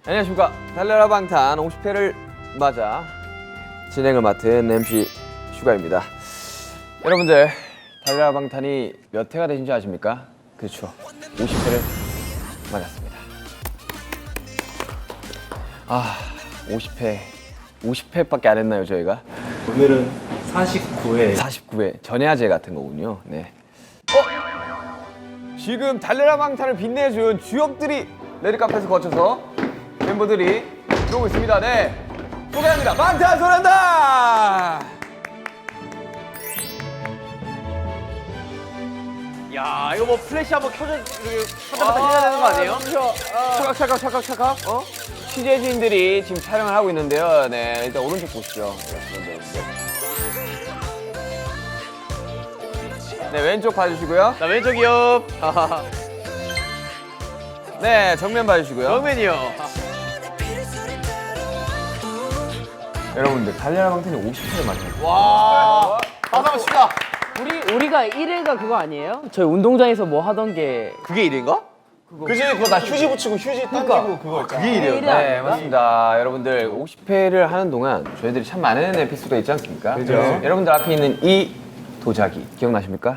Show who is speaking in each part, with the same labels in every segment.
Speaker 1: 안녕하십니까. 달려라 방탄 50회를 맞아 진행을 맡은 MC 슈가입니다. 여러분들 달려라 방탄이 몇 회가 되신지 아십니까? 그렇죠, 50회를 맞았습니다. 50회밖에 안 했나요 저희가?
Speaker 2: 오늘은 49회
Speaker 1: 49회 전야제 같은 거군요. 네. 지금 달려라 방탄을 빛내준 주역들이 레드카펫을 거쳐서 멤버들이 들어오고 있습니다. 네, 소개합니다. 방탄소년단!
Speaker 3: 야, 이거 뭐 플래시 한번 켜자마자 해야 되는 거 아니에요?
Speaker 1: 찰칵. 취재진들이 지금 촬영을 하고 있는데요. 네, 일단 오른쪽 보시죠. 네, 왼쪽 봐주시고요.
Speaker 3: 자, 왼쪽이요.
Speaker 1: 네, 정면 봐주시고요.
Speaker 3: 정면이요.
Speaker 1: 여러분들 달려라 방탄이 50회를 맞아요.
Speaker 3: 와, 박수 한번 칩니다.
Speaker 4: 우리가 1회가 그거 아니에요? 저희 운동장에서 뭐 하던 게
Speaker 3: 그게 1인가?
Speaker 2: 그지? 그거 나 휴지 붙이고 휴지 당기고 그거 있잖아.
Speaker 3: 그게 1이에요.
Speaker 1: 네, 맞습니다. 여러분들 50회를 하는 동안 저희들이 참 많은 에피소드가 있지 않습니까?
Speaker 2: 그죠.
Speaker 1: 여러분들 앞에 있는 이 도자기 기억나십니까?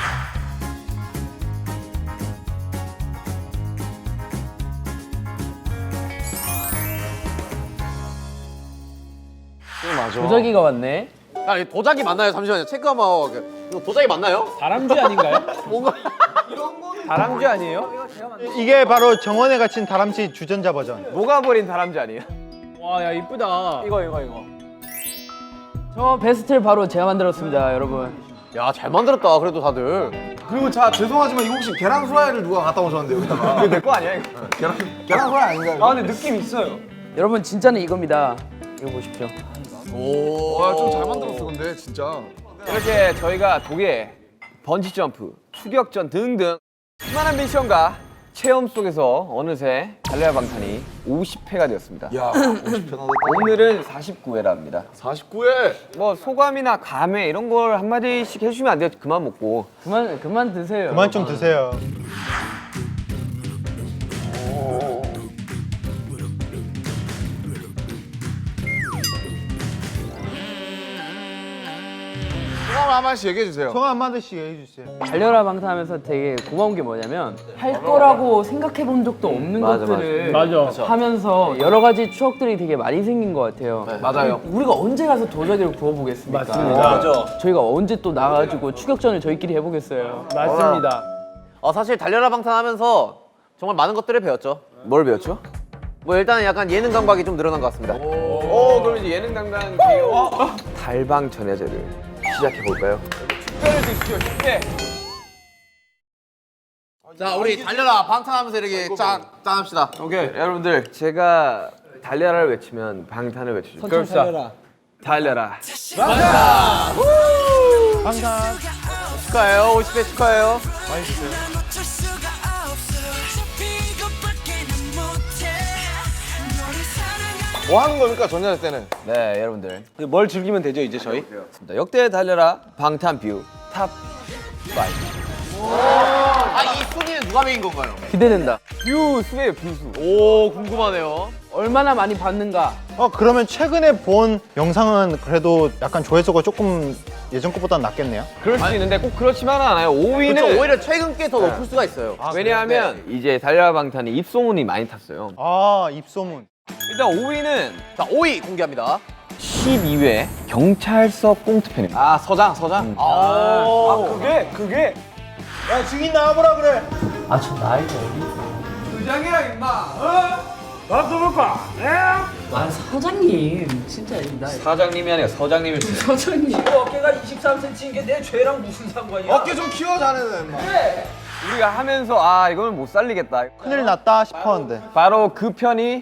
Speaker 2: 맞아.
Speaker 4: 도자기가 왔네.
Speaker 3: 야, 이 도자기 맞나요? 잠시만요. 체크 한번 하고. 이거 도자기 맞나요?
Speaker 4: 다람쥐 아닌가요?
Speaker 3: 뭔가
Speaker 1: 다람쥐 아니에요?
Speaker 5: 이게 바로 정원에 갇힌 다람쥐 주전자 버전.
Speaker 1: 녹아버린 다람쥐 아니에요?
Speaker 4: 와, 야 이쁘다.
Speaker 1: 이거.
Speaker 4: 저 베스트를 바로 제가 만들었습니다, 여러분.
Speaker 3: 야, 잘 만들었다. 그래도 다들.
Speaker 2: 그리고 자 죄송하지만 이거 혹시 계란 후라이를 누가 갖다 오셨는데 여기다가
Speaker 1: 이거 내 거 아니야 이거?
Speaker 2: 계란 후라이 아닌가요?
Speaker 1: 아 근데 느낌 있어요.
Speaker 4: 여러분 진짜는 이겁니다. 이거 보십시오.
Speaker 3: 오.
Speaker 2: 좀 잘 만들었어 근데 진짜.
Speaker 1: 이렇게 저희가 독일, 번지 점프, 추격전 등등 수많은 미션과 체험 속에서 어느새 달려라 방탄이 50회가 되었습니다.
Speaker 2: 야 50편 하다.
Speaker 1: 오늘은 49회랍니다.
Speaker 2: 49회.
Speaker 1: 뭐 소감이나 감회 이런 걸 한마디씩 해주시면 안 돼요? 그만 먹고.
Speaker 4: 그만 드세요.
Speaker 5: 그만 좀 드세요.
Speaker 2: 소감 한 마디씩 얘기해 주세요.
Speaker 5: 소감 한마디씩 해주세요.
Speaker 4: 달려라 방탄하면서 되게 고마운 게 뭐냐면 할 거라고 생각해 본 적도 없는
Speaker 1: 맞아,
Speaker 4: 것들을 하면서 여러 가지 추억들이 되게 많이 생긴 것 같아요.
Speaker 1: 맞아요.
Speaker 4: 우리가 언제 가서 도자기를 구워보겠습니까? 맞습니다. 저희가 언제 또 나가가지고 추격전을 저희끼리 해보겠어요. 맞습니다.
Speaker 3: 사실 달려라 방탄 하면서 정말 많은 것들을 배웠죠.
Speaker 1: 뭘 배웠죠?
Speaker 3: 뭐 일단은 약간 예능 감각이 좀 늘어난 것 같습니다.
Speaker 1: 오, 그럼 이제 예능 담당 기호 달방 전야제를 시작해 볼까요? 축배를 드시죠, 축배.
Speaker 3: 자, 우리 달려라 방탄 하면서 이렇게 짠 합시다.
Speaker 1: 오케이, 여러분들 제가 달려라를 외치면 방탄을 외치죠. 그럽시다. 달려라.
Speaker 3: 축하해요. 50회 축하해요.
Speaker 2: 뭐 하는 겁니까 전야제 때는?
Speaker 1: 네, 여러분들.
Speaker 2: 뭘 즐기면 되죠 이제 저희?
Speaker 1: 맞습니다. 역대 달려라 방탄 뷰 탑 5.
Speaker 3: 이 순위는 누가 매긴 건가요?
Speaker 4: 기대된다.
Speaker 1: 뷰 수예요, 뷰수.
Speaker 3: 오, 궁금하네요.
Speaker 4: 얼마나 많이 받는가?
Speaker 5: 그러면 최근에 본 영상은 그래도 약간 조회수가 조금 예전 것보다 낫겠네요.
Speaker 1: 그럴 수 있는데 꼭 그렇지만은 않아요. 5위는
Speaker 3: 그렇죠. 오히려 최근 게 더 높을 수가 있어요.
Speaker 1: 왜냐하면 이제 달려라 방탄이 입소문이 많이 탔어요.
Speaker 5: 입소문.
Speaker 1: 일단 5위는
Speaker 3: 자, 5위 공개합니다.
Speaker 1: 12회 경찰서 꽁트편입니다.
Speaker 3: 서장.
Speaker 2: 그게
Speaker 5: 야 증인 나와보라 그래.
Speaker 4: 아, 저 나이가 어디?
Speaker 1: 부장이랑 임마.
Speaker 4: 아, 사장님. 진짜 나
Speaker 1: 사장님이 아니라 서장님일 수 있어요.
Speaker 4: 사장님. 어깨가 23cm인 게 내 죄랑 무슨 상관이야?
Speaker 2: 어깨 좀 키워 자네는.
Speaker 1: 우리가 하면서 이거는 못 살리겠다.
Speaker 5: 큰일 났다 싶었는데.
Speaker 1: 바로 그 편이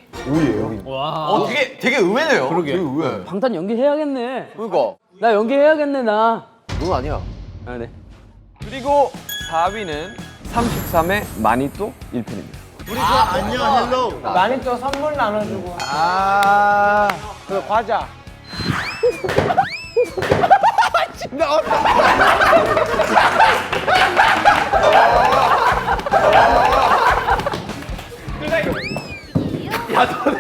Speaker 3: 되게 의외네요.
Speaker 4: 방탄 연기해야겠네.
Speaker 3: 그러니까.
Speaker 4: 나 연기해야겠네, 나.
Speaker 3: 넌 아니야.
Speaker 4: 아, 네.
Speaker 1: 그리고 4위는 33회 마니또 1편입니다.
Speaker 5: 안녕 헬로.
Speaker 4: 많이 또 선물 나눠주고.
Speaker 1: 그 과자.
Speaker 3: 야, 너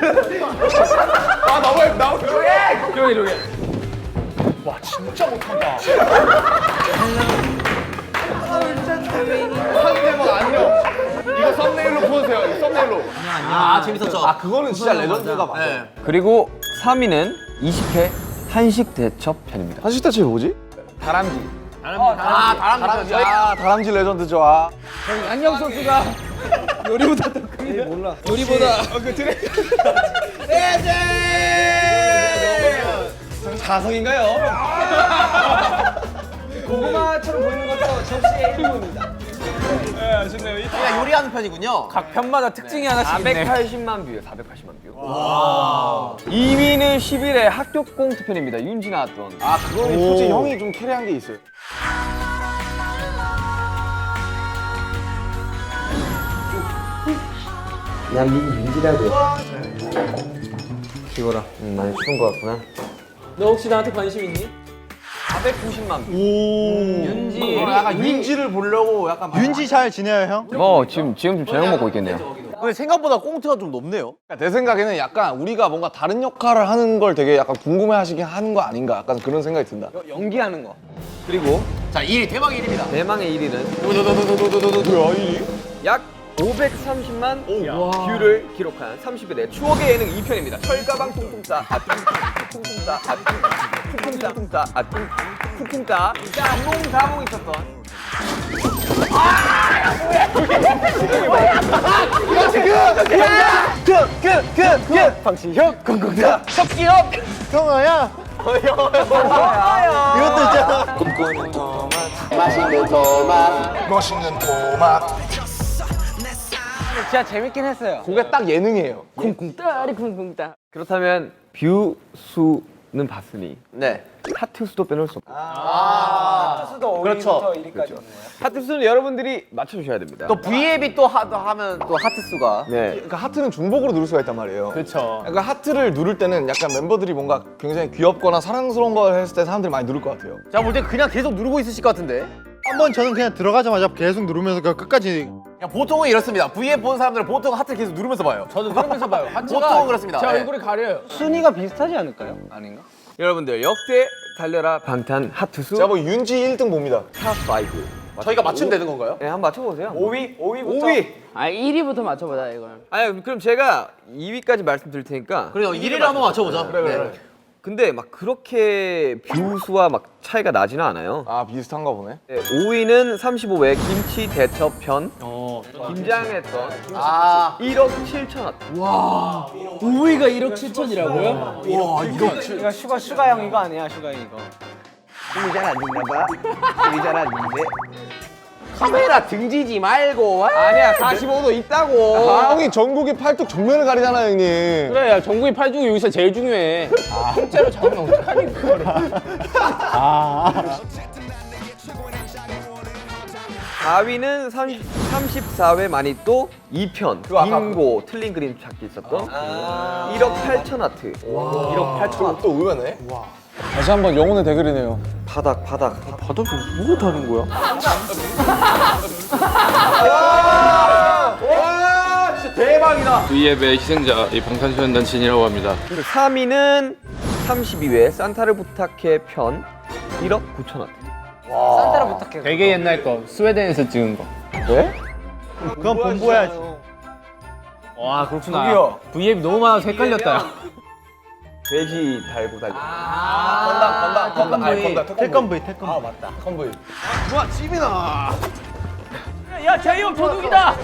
Speaker 3: 아 재밌었죠.
Speaker 2: 아 그거는 진짜 레전드가 맞아.
Speaker 1: 그리고 3위는 20회 한식 대첩 편입니다.
Speaker 2: 한식 대체 뭐지?
Speaker 1: 다람쥐.
Speaker 3: 다람쥐.
Speaker 2: 아 다람쥐 레전드죠. 아.
Speaker 4: 안녕 선수가 요리보다 더 큽니다. 몰라. 요리보다
Speaker 1: 자성인가요? 고구마처럼 보이는 것도 접시의 일부입니다.
Speaker 3: 그냥 요리하는 편이군요.
Speaker 4: 각 편마다 특징이 하나씩 있네.
Speaker 1: 480만 뷰예요. 480만 뷰. 2위는 11회 학교 꽁트 편입니다. 윤지 나왔던.
Speaker 2: 아 그거는 솔직히 형이 좀 캐리한 게 있어요.
Speaker 1: 난 윤지라고. 기워라. 많이 추운 것 같구나.
Speaker 4: 너 혹시 나한테 관심 있니?
Speaker 1: 490만 뷰.
Speaker 4: 윤지.
Speaker 2: 약간 윤지를 보려고 약간
Speaker 5: 윤지 잘 지내요 형?
Speaker 1: 뭐 지금 좀 저녁 먹고 있겠네요.
Speaker 3: 근데 생각보다 꽁트가 좀 높네요.
Speaker 2: 내 생각에는 약간 우리가 뭔가 다른 역할을 하는 걸 되게 약간 궁금해하시긴 하는 거 아닌가 약간 그런 생각이 든다.
Speaker 1: 연기하는 거. 그리고
Speaker 3: 자 1위 대박 1위입니다.
Speaker 1: 대망의 1위는
Speaker 2: 뭐야 이?
Speaker 1: 약 530만 뷰를 기록한 30일의 추억의 예능 2편입니다. 철가방 퉁퉁따 퉁퉁따 퉁퉁따 퉁퉁따 사몽 있었던 방치혁 공공다 석기혁
Speaker 5: 형아야. 이것도 있잖아.
Speaker 2: 멋있는 토마토.
Speaker 4: 진짜 재밌긴 했어요.
Speaker 2: 그게 딱 예능이에요.
Speaker 4: 쿵쿵따리 쿵쿵따.
Speaker 1: 그렇다면 뷰 수는 봤으니
Speaker 3: 네.
Speaker 1: 하트 수도 빼놓을 수 없고
Speaker 3: 그렇죠.
Speaker 1: 하트 수는 여러분들이 맞춰주셔야 됩니다.
Speaker 3: 또 V앱이 또 하면 또 하트 수가.
Speaker 1: 네.
Speaker 2: 그러니까 하트는 중복으로 누를 수가 있단 말이에요.
Speaker 4: 그렇죠.
Speaker 2: 그러니까 하트를 누를 때는 약간 멤버들이 뭔가 굉장히 귀엽거나 사랑스러운 걸 했을 때 사람들이 많이 누를 것 같아요.
Speaker 3: 제가 볼 때 그냥 계속 누르고 있으실 것 같은데.
Speaker 5: 한번 저는 그냥 들어가자마자 계속 누르면서 그냥 끝까지.
Speaker 3: 그냥 보통은 이렇습니다. V앱 보는 사람들은 보통 하트 계속 누르면서 봐요.
Speaker 4: 저도 누르면서 봐요.
Speaker 3: 보통은 그렇습니다.
Speaker 4: 제
Speaker 3: 네.
Speaker 4: 얼굴이 가려요.
Speaker 1: 순위가 비슷하지 않을까요? 아닌가? 여러분들 역대 달려라 방탄 하트 수
Speaker 2: 제가 뭐 윤지 1등 봅니다.
Speaker 1: 탑5
Speaker 3: 저희가 맞추면 되는 건가요?
Speaker 1: 네, 한번 맞춰보세요. 5위.
Speaker 4: 아 1위부터 맞춰보자 이걸.
Speaker 1: 아니 그럼 제가 2위까지 말씀드릴 테니까.
Speaker 3: 그래요. 1위를 한번 맞춰보자.
Speaker 2: 그래.
Speaker 1: 근데 막 그렇게 뷰 수와 막 차이가 나지는 않아요.
Speaker 2: 아 비슷한가 보네.
Speaker 1: 네, 5위는 35회 김치 대첩 편. 김장했던
Speaker 3: 아.
Speaker 1: 1억 7천 원.
Speaker 4: 5위가 1억 7천이라고요?
Speaker 3: 와 이거.
Speaker 4: 이거 슈가 형 이거 아니야 슈가 형 이거.
Speaker 1: 힘이 잘 안 듣나 봐. 힘이 잘 안 듣는데.
Speaker 3: 카메라 등지지 말고.
Speaker 1: 아니야 45도 있다고.
Speaker 2: 아 형이 전국의 팔뚝 정면을 가리잖아요 형님.
Speaker 4: 그래 야 정국이 팔뚝이 여기서 제일 중요해. 통째로 잡으면 어떡하니 그거를.
Speaker 1: 4위는 34회 마니또 2편 빙고 틀린 그림 찾기 있었던 1억 8천 와트. 1억 8천 와트.
Speaker 2: 또 의외네. 다시 한번 영혼의 대결이네요.
Speaker 1: 바닥.
Speaker 4: 뭐가 다른 거야?
Speaker 3: 와 진짜 대박이다.
Speaker 6: V앱의 희생자 이 방탄소년단진이라고 합니다.
Speaker 1: 3위는 32회 산타를 부탁해 편 1억 9천 와트.
Speaker 4: 산타를 부탁해. 되게 옛날 거 스웨덴에서 찍은 거.
Speaker 2: 네?
Speaker 5: 그건 본보야지.
Speaker 4: 와 그렇구나. V앱이 너무 많아서 헷갈렸다.
Speaker 1: 돼지 달고 달려.
Speaker 2: 건담.
Speaker 5: 태권브이 태권브이.
Speaker 2: 아 맞다. 컨보이.
Speaker 3: 와 지민아.
Speaker 4: 야 제이홉 도둑이다.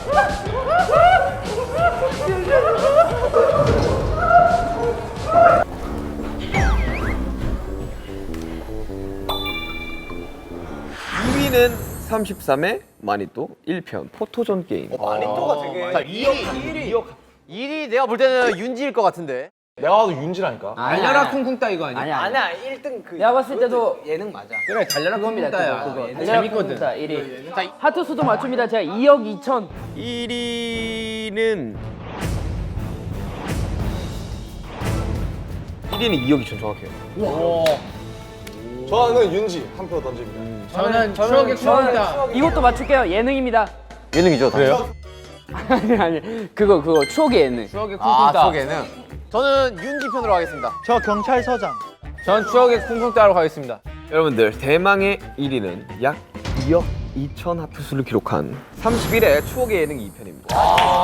Speaker 1: (2위는) 33회 마니또 1편 포토존 게임.
Speaker 3: 마니또가 되게. 자 1위 내가 볼 때는 윤지일 것 같은데.
Speaker 2: 내가 봐도 윤지라니까.
Speaker 4: 달려라 쿵쿵따 이거 아니야?
Speaker 7: 아니야 1등 그
Speaker 4: 내가 봤을 때도
Speaker 7: 예능 맞아.
Speaker 4: 그래 달려라 쿵쿵따야. 그거 재밌거든. 1위.
Speaker 3: 자,
Speaker 4: 하트 수도 맞춥니다. 제가 2억 2천.
Speaker 1: 1위는 2억 2천 정확해요.
Speaker 2: 저는 윤지 한 표 던집니다.
Speaker 4: 저는 추억의 쿵쿵따. 이것도 맞출게요. 예능입니다.
Speaker 3: 예능이죠.
Speaker 2: 그래요?
Speaker 4: 아니 그거 추억의 예능. 추억의 쿵쿵따.
Speaker 3: 추억에는. 저는 윤지 편으로 하겠습니다.
Speaker 5: 저 경찰서장.
Speaker 4: 전 추억의 쿵쿵따로 가겠습니다.
Speaker 1: 여러분들 대망의 1위는 약 2억 2,000 하트수를 기록한 31회 추억의 예능 2편입니다.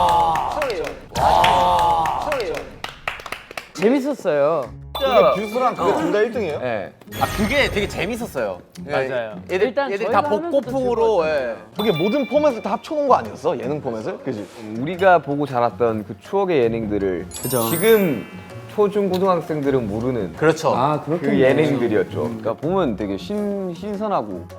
Speaker 4: 재밌었어요.
Speaker 2: 근데 뷰스랑 그게 둘 다 1등이에요?
Speaker 1: 네.
Speaker 3: 아 그게 되게 재밌었어요.
Speaker 4: 맞아요.
Speaker 3: 애들
Speaker 4: 일단
Speaker 3: 애들
Speaker 4: 저희가
Speaker 3: 다
Speaker 4: 하면서도
Speaker 3: 복고풍으로. 예.
Speaker 2: 그게 모든 포맷을 다 합쳐놓은 거 아니었어? 예능 포맷을? 그지?
Speaker 1: 우리가 보고 자랐던 그 추억의 예능들을
Speaker 4: 그죠.
Speaker 1: 지금 초중 고등학생들은 모르는
Speaker 3: 그렇죠.
Speaker 4: 아
Speaker 1: 그
Speaker 4: 그렇군요.
Speaker 1: 예능들이었죠. 그러니까 보면 되게 신선하고.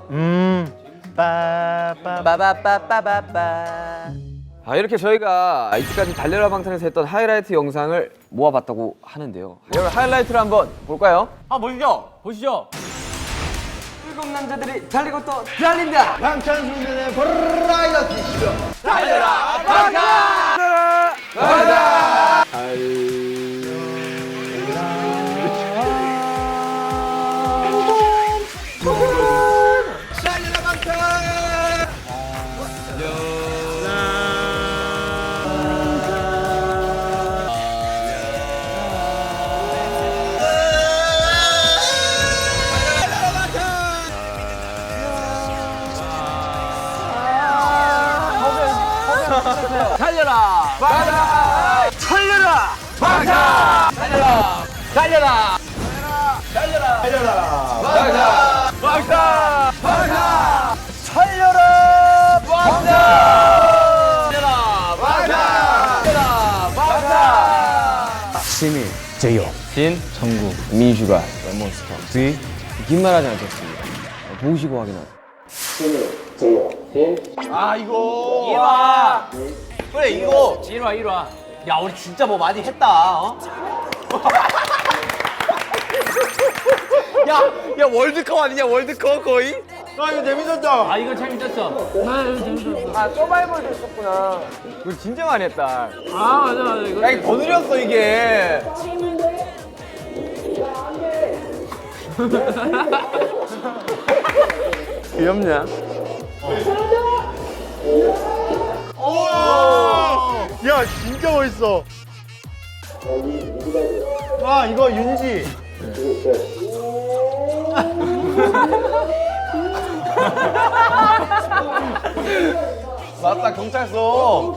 Speaker 5: 빠빠.
Speaker 3: 빠바빠빠바빠.
Speaker 1: 이렇게 저희가 이때까지 달려라 방탄에서 했던 하이라이트 영상을 모아봤다고 하는데요. 여러분 하이라이트를 한번 볼까요?
Speaker 3: 아 보시죠.
Speaker 4: 보시죠.
Speaker 1: 일곱 남자들이 달리고 또 달린다.
Speaker 5: 방탄소년단의 버라이어티 쇼.
Speaker 1: 민슈가 몬스터 긴 말하지 않겠습니다. 보시고 확인하세요.
Speaker 3: 아 이거. 이와. 그래 이거.
Speaker 4: 1화.
Speaker 3: 야 우리 진짜 뭐 많이 했다. 어? 야 월드컵 아니냐 월드컵 거의?
Speaker 5: 아 이거 재밌었다.
Speaker 4: 아 이거 재밌었어.
Speaker 1: 서바이벌도 했었구나. 우리 진짜 많이 했다.
Speaker 4: 아 맞아. 이거
Speaker 1: 야, 이게 더 느렸어 이게.
Speaker 4: 귀엽냐?
Speaker 5: 야 진짜 멋있어. 아 이거 윤지.
Speaker 2: 맞다, 경찰서.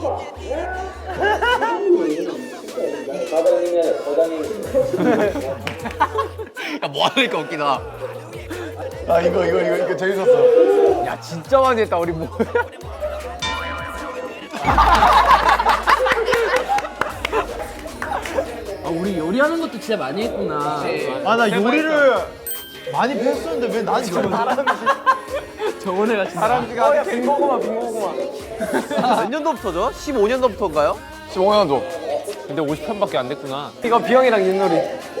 Speaker 3: 야뭐 하니까 웃기다.
Speaker 2: 아, 이거 재밌었어.
Speaker 1: 야 진짜 많이 했다 우리 뭐.
Speaker 4: 아, 우리 요리하는 것도 진짜 많이 했구나.
Speaker 5: 아 나 요리를 많이 했었는데 왜 난 지금
Speaker 4: 정원애가 진짜.
Speaker 1: 사람지가 빈고구마.
Speaker 3: 몇 년도부터죠? 15년도부터인가요?
Speaker 2: 15년도.
Speaker 6: 근데 50편밖에 안 됐구나.
Speaker 1: 이거 비영이랑 윷놀이.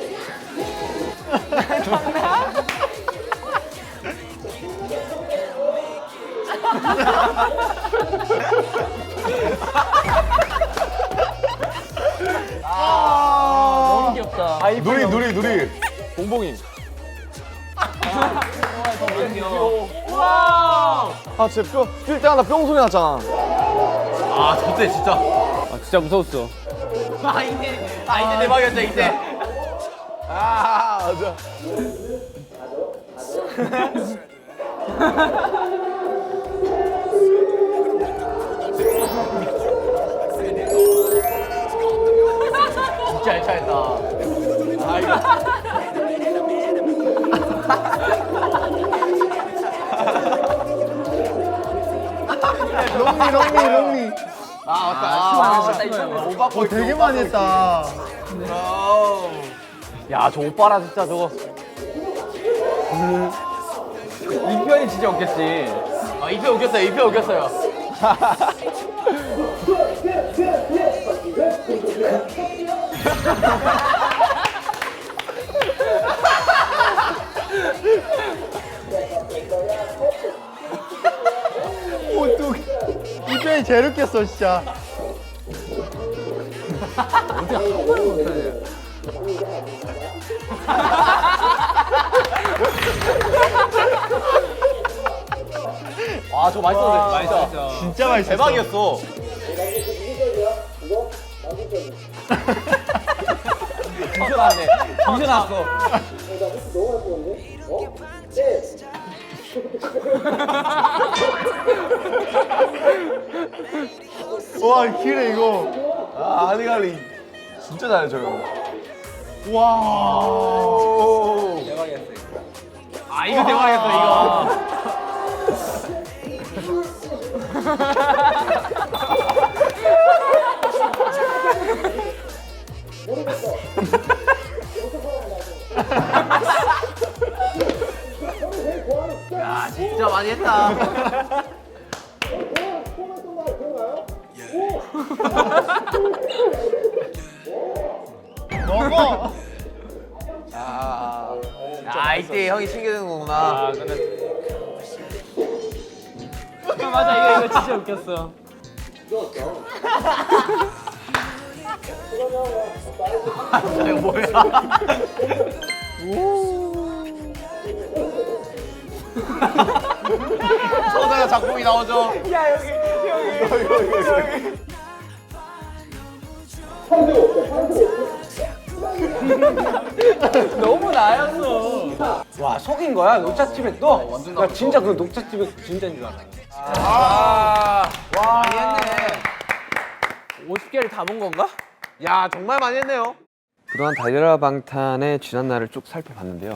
Speaker 4: 너무 귀엽다.
Speaker 2: 누리.
Speaker 6: 봉봉이.
Speaker 2: 아, 진짜 뛸 때마다 뿅 소리 났잖아.
Speaker 3: 아 저때 진짜.
Speaker 6: 아 진짜 무서웠어.
Speaker 3: 이때 대박이었죠 이때.
Speaker 2: 아, 맞아.
Speaker 3: 진짜 알차했다. 아 이거.
Speaker 5: 롱리.
Speaker 3: 아 맞다.
Speaker 5: 어 되게 많이 했다.
Speaker 3: 야 저 오빠라 진짜 저거.
Speaker 1: 이 편이 진짜 없겠지.
Speaker 3: 아 2표 웃겼어요. 2표 웃겼어요.
Speaker 5: 이 편이 제일 웃겼어 진짜.
Speaker 3: 아 저거 맛있었는데 진짜.
Speaker 5: 진짜 맛있어.
Speaker 3: 대박이었어. 진짜 나왔네. 진짜 나왔어.
Speaker 5: 와 기래 이거.
Speaker 2: 아 할리갈리 진짜 잘해요 형.
Speaker 3: 아 이거 대박이었어 이거. 야 진짜 많이 했다.
Speaker 5: 먹어.
Speaker 3: 아 이때 형이 챙겨주는 거구나.
Speaker 6: 아 근데
Speaker 4: 맞아 이거 진짜 웃겼어.
Speaker 3: 이거 뭐야? 저자가 작품이 나오죠.
Speaker 4: 너무 나였어.
Speaker 3: 와 속인 거야 녹차집에 또? 나 진짜 그 녹차집에 진짜인 줄 알았어. 와 많이 했네.
Speaker 4: 50개를 다 본 건가?
Speaker 3: 야 정말 많이 했네요.
Speaker 1: 그동안 달려라 방탄의 지난 날을 쭉 살펴봤는데요.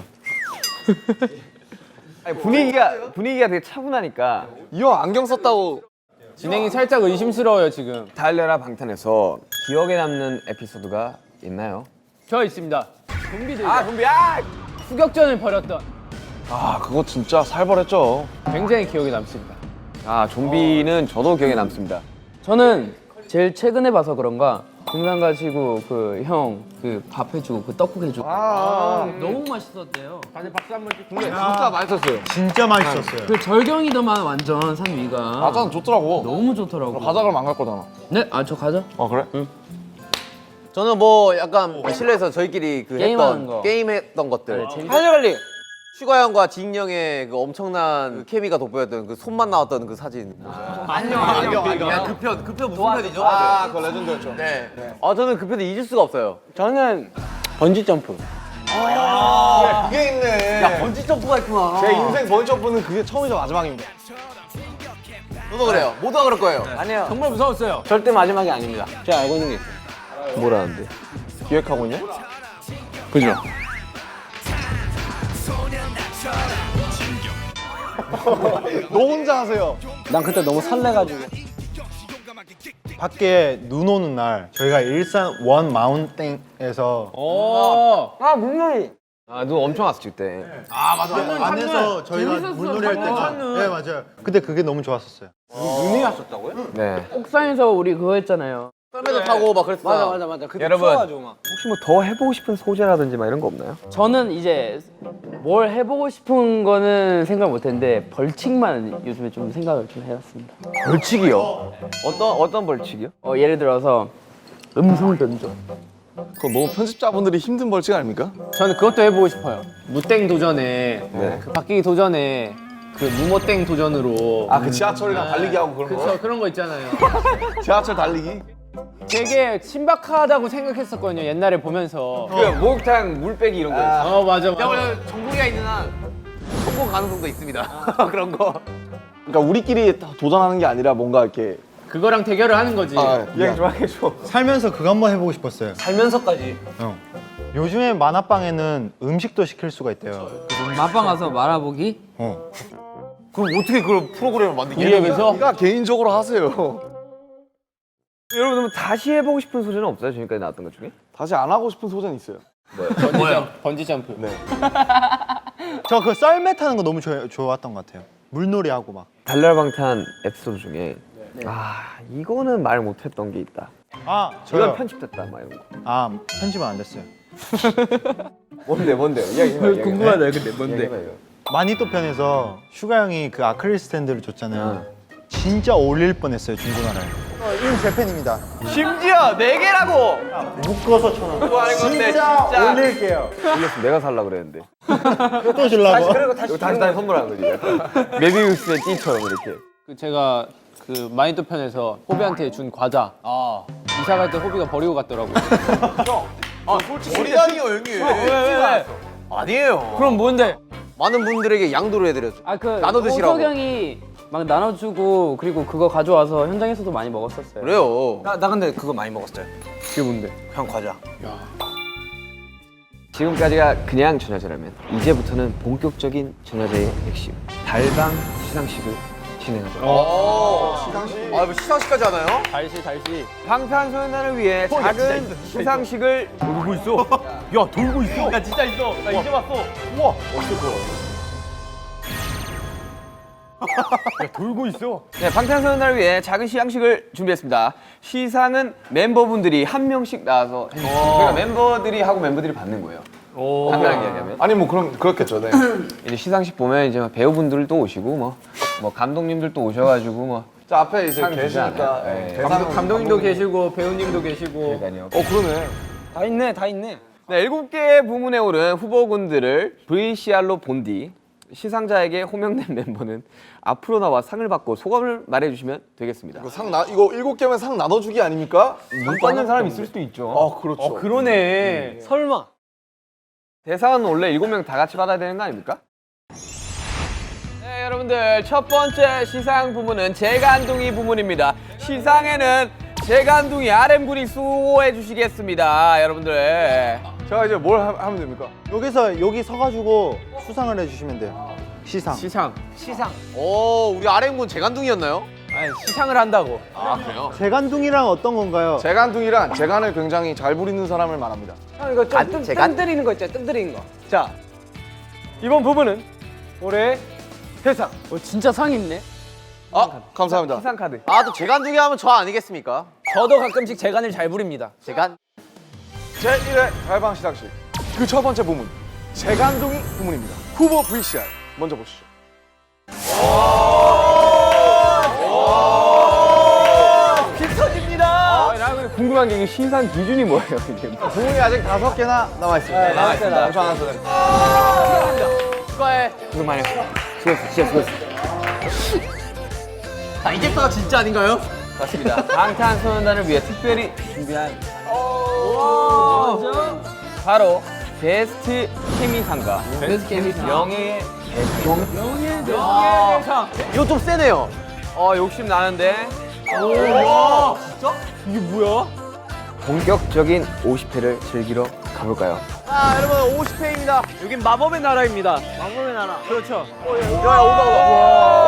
Speaker 1: 아니, 분위기가 되게 차분하니까
Speaker 2: 이 형 안경 썼다고.
Speaker 6: 진행이 살짝 의심스러워요 지금.
Speaker 1: 달려라 방탄에서 기억에 남는 에피소드가 있나요?
Speaker 4: 저 있습니다. 좀비들
Speaker 1: 좀비야!
Speaker 4: 추격전을 벌였던
Speaker 2: 아 그거 진짜 살벌했죠.
Speaker 6: 굉장히 기억에 남습니다.
Speaker 1: 좀비는 저도 기억에 남습니다.
Speaker 4: 저는 제일 최근에 봐서 그런가 등산 가시고 그 형 그 밥 해주고 그 떡국 해주고 너무 맛있었대요.
Speaker 6: 다들 박수 한번 찍고.
Speaker 2: 진짜 맛있었어요.
Speaker 5: 진짜 맛있었어요.
Speaker 4: 그 절경이더만 완전 산 위가
Speaker 2: 아까는 좋더라고.
Speaker 4: 너무 좋더라고.
Speaker 2: 가자 그러면 안 갈 거잖아.
Speaker 4: 네? 아 저 가자.
Speaker 2: 아 그래?
Speaker 3: 저는 뭐 약간 실내에서 저희끼리 그
Speaker 4: 게임하는
Speaker 3: 했던
Speaker 4: 거.
Speaker 3: 게임했던 것들.
Speaker 4: 네, 재밌-
Speaker 3: 할리갈리. 슈가 형과 진 형의 그 엄청난 그 케미가 돋보였던 그 손만 나왔던 그 사진. 안녕. 야, 그 편 무슨 편이죠?
Speaker 2: 아 그거 레전드였죠.
Speaker 3: 네. 아 저는 그 편을 잊을 수가 없어요.
Speaker 4: 저는 번지 점프.
Speaker 2: 그게 있네.
Speaker 3: 야 번지 점프가 있구나.
Speaker 2: 제 인생 번지 점프는 그게 처음이자 마지막입니다.
Speaker 3: 저도 그래요. 모두가 그럴 거예요.
Speaker 4: 아니요. 정말 무서웠어요.
Speaker 3: 절대 마지막이 아닙니다.
Speaker 4: 제가 알고 있는 게 있어요.
Speaker 1: 뭐라는데?
Speaker 2: 기획하고 있냐? 그죠? 너 혼자 하세요.
Speaker 4: 난 그때 너무 설레가지고.
Speaker 5: 밖에 눈 오는 날 저희가 일산 원 마운틴에서
Speaker 1: 눈 엄청 왔을 때.
Speaker 5: 안에서 저희가 물놀이 할 때가 네 맞아요. 근데 그게 너무 좋았었어요.
Speaker 3: 눈이 왔었다고요?
Speaker 1: 네.
Speaker 4: 옥상에서 우리 그거 했잖아요.
Speaker 3: 썰매도 타고 막 그랬어.
Speaker 4: 맞아. 그때
Speaker 1: 여러분.
Speaker 4: 추워가지고 막.
Speaker 1: 혹시 뭐 더 해보고 싶은 소재라든지 막 이런 거 없나요?
Speaker 4: 저는 이제 뭘 해보고 싶은 거는 생각 못했는데 벌칙만 요즘에 좀 생각을 좀 해봤습니다.
Speaker 1: 벌칙이요? 어떤 벌칙이요?
Speaker 4: 예를 들어서 음성 변조.
Speaker 2: 그거 너무 편집자분들이 힘든 벌칙 아닙니까?
Speaker 6: 저는 그것도 해보고 싶어요. 무땡 도전에
Speaker 1: 네.
Speaker 6: 그 바뀌기 도전에 그 무모땡 도전으로.
Speaker 2: 아 그 지하철이랑 달리기 하고 그런
Speaker 6: 그쵸
Speaker 2: 거.
Speaker 6: 그런 거 있잖아요.
Speaker 2: 지하철 달리기.
Speaker 6: 되게 신박하다고 생각했었거든요 옛날에 보면서.
Speaker 1: 그 목욕탕 물 빼기 이런 거 있어.
Speaker 6: 맞아.
Speaker 3: 야 원래 정국이가 있는 한 성공 가능성도 있습니다. 그런 거.
Speaker 2: 그러니까 우리끼리 다 도전하는 게 아니라 뭔가 이렇게.
Speaker 6: 그거랑 대결을 하는 거지.
Speaker 1: 이야기 좀 해줘.
Speaker 5: 살면서 그거 한번 해보고 싶었어요.
Speaker 3: 살면서까지.
Speaker 5: 형. 요즘에 만화방에는 음식도 시킬 수가 있대요.
Speaker 4: 맛방 가서 말아보기?
Speaker 3: 그럼 어떻게 그걸 프로그램을 만들게?
Speaker 6: 이래면서
Speaker 2: 네가 개인적으로 하세요.
Speaker 1: 여러분 그럼 다시 해보고 싶은 소재는 없어요? 지금까지 나왔던 것 중에?
Speaker 2: 다시 안 하고 싶은 소재는 있어요.
Speaker 6: 번지 점프.
Speaker 2: 네.
Speaker 5: 저 그 썰매 타는 거 너무 좋았던 것 같아요. 물놀이 하고 막.
Speaker 1: 달려라 방탄 에피소드 중에 이거는 말 못했던 게 있다.
Speaker 5: 아
Speaker 1: 이건
Speaker 5: 저요.
Speaker 1: 편집됐다 막 이런 거.
Speaker 5: 아 편집은 안 됐어요.
Speaker 1: 뭔데요? 이야기해봐.
Speaker 4: 궁금하다 근데
Speaker 1: 이야기해봐 이거.
Speaker 5: 마니또 편에서 슈가 형이 그 아크릴 스탠드를 줬잖아요. 진짜 올릴 뻔했어요 중고나라에. 인 재팬입니다.
Speaker 1: 심지어 4개라고!
Speaker 5: 묶어서 천 원.
Speaker 1: 뭐 하는 건데
Speaker 5: 진짜
Speaker 1: 진짜.
Speaker 5: 올릴게요.
Speaker 1: 올렸으면 내가 살라 그랬는데.
Speaker 5: 또 주려고.
Speaker 1: 이거 다시 선물하는 거지. 약간. 메비우스의 띠처럼 이렇게.
Speaker 6: 그 제가 그 마인드 편에서 호비한테 준 과자. 이사 갈 때 호비가 버리고 갔더라고요.
Speaker 3: 솔직히 머리 다니요 형님. 왜? 아니에요.
Speaker 4: 그럼 뭔데?
Speaker 3: 많은 분들에게 양도를 해드렸죠.
Speaker 4: 아그
Speaker 3: 나눠 드시라고.
Speaker 4: 호석 형이 막 나눠주고 그리고 그거 가져와서 현장에서도 많이 먹었었어요.
Speaker 3: 그래요.
Speaker 7: 나 근데 그거 많이 먹었어요.
Speaker 6: 그게 뭔데?
Speaker 7: 형 과자.
Speaker 1: 지금까지가 그냥 전야제라면 이제부터는 본격적인 전야제의 핵심 달방 시상식을 진행하도록
Speaker 3: 시상식? 아, 뭐 시상식까지 하나요?
Speaker 6: 달시.
Speaker 1: 방탄소년단을 위해 작은 시상식을 돌고 있어. 야 돌고 있어.
Speaker 6: 나 진짜 있어. 나 이제 봤어.
Speaker 1: 돌고 있어. 네, 방탄소년단을 위해 작은 시상식을 준비했습니다. 시상은 멤버분들이 한 명씩 나와서 해주세요. 그러니까 멤버들이 하고 멤버들이 받는 거예요. 간단하게 이야기하면.
Speaker 2: 아니 뭐 그럼 그렇겠죠. 네.
Speaker 1: 이제 시상식 보면 이제 막 배우분들도 오시고 뭐 감독님들도 오셔가지고 뭐
Speaker 2: 자 앞에 이제
Speaker 1: 상 주지
Speaker 2: 계시니까
Speaker 1: 않아요? 네.
Speaker 2: 대상
Speaker 6: 감독님도 계시고 배우님도 계시고.
Speaker 1: 그러니까요.
Speaker 2: 그러네.
Speaker 7: 다 있네.
Speaker 1: 네, 7개 부문에 오른 후보군들을 VCR로 본 뒤 시상자에게 호명된 멤버는 앞으로 나와 상을 받고 소감을 말해주시면 되겠습니다.
Speaker 2: 이거 이거 7개면 상 나눠주기 아닙니까?
Speaker 1: 못 받는 사람 있을 수도 있죠.
Speaker 2: 아 그렇죠.
Speaker 6: 그러네. 설마.
Speaker 1: 대상은 원래 7명 다 같이 받아야 되는 거 아닙니까? 네, 여러분들 첫 번째 시상 부문은 재간둥이 부문입니다. 시상에는 재간둥이 RM군이 수호해 주시겠습니다, 여러분들.
Speaker 2: 제가 이제 뭘 하면 됩니까?
Speaker 5: 여기 서가지고 수상을 해주시면 돼요. 시상.
Speaker 6: 시상.
Speaker 3: 오, 우리 RM군 재간둥이였나요?
Speaker 6: 아니 시상을 한다고.
Speaker 3: 아, 그래요?
Speaker 5: 재간둥이랑 어떤 건가요?
Speaker 2: 재간둥이란 재간을 굉장히 잘 부리는 사람을 말합니다.
Speaker 7: 형 이거 좀 뜸 들이는 거 있죠? 뜸 들이는 거.
Speaker 6: 자 이번 부분은 올해 대상.
Speaker 4: 진짜 상 있네.
Speaker 2: 아 감사합니다.
Speaker 1: 시상 카드.
Speaker 3: 아, 또 재간둥이 하면 저 아니겠습니까?
Speaker 7: 저도 가끔씩 재간을 잘 부립니다.
Speaker 3: 재간?
Speaker 2: 제1회 달방 시상식 그 첫 번째 부문 재간둥이 부문입니다. 후보 VCR 먼저 보시죠.
Speaker 1: 나 근데 궁금한 게 이게 시상 기준이 뭐예요, 이게?
Speaker 2: 부문이 아직 5개나 남아 있습니다.
Speaker 1: 남아있습니다.
Speaker 2: 엄청 안 왔어요.
Speaker 3: 축하해.
Speaker 1: 수고 많이 했어. 수고했어, 진짜 수고했어.
Speaker 3: 자, 이제부터가 진짜 아닌가요?
Speaker 1: 맞습니다. 방탄소년단을 위해 특별히 준비한 바로 베스트 케미상과 베스트 케미상 명예의 대상.
Speaker 3: 이거 좀 세네요.
Speaker 1: 욕심 나는데
Speaker 3: 진짜?
Speaker 6: 이게 뭐야?
Speaker 1: 본격적인 50회를 즐기러 가볼까요?
Speaker 3: 자, 여러분 50회입니다.
Speaker 6: 여긴 마법의 나라입니다. 마법의 나라. 그렇죠.
Speaker 3: 야, 온다.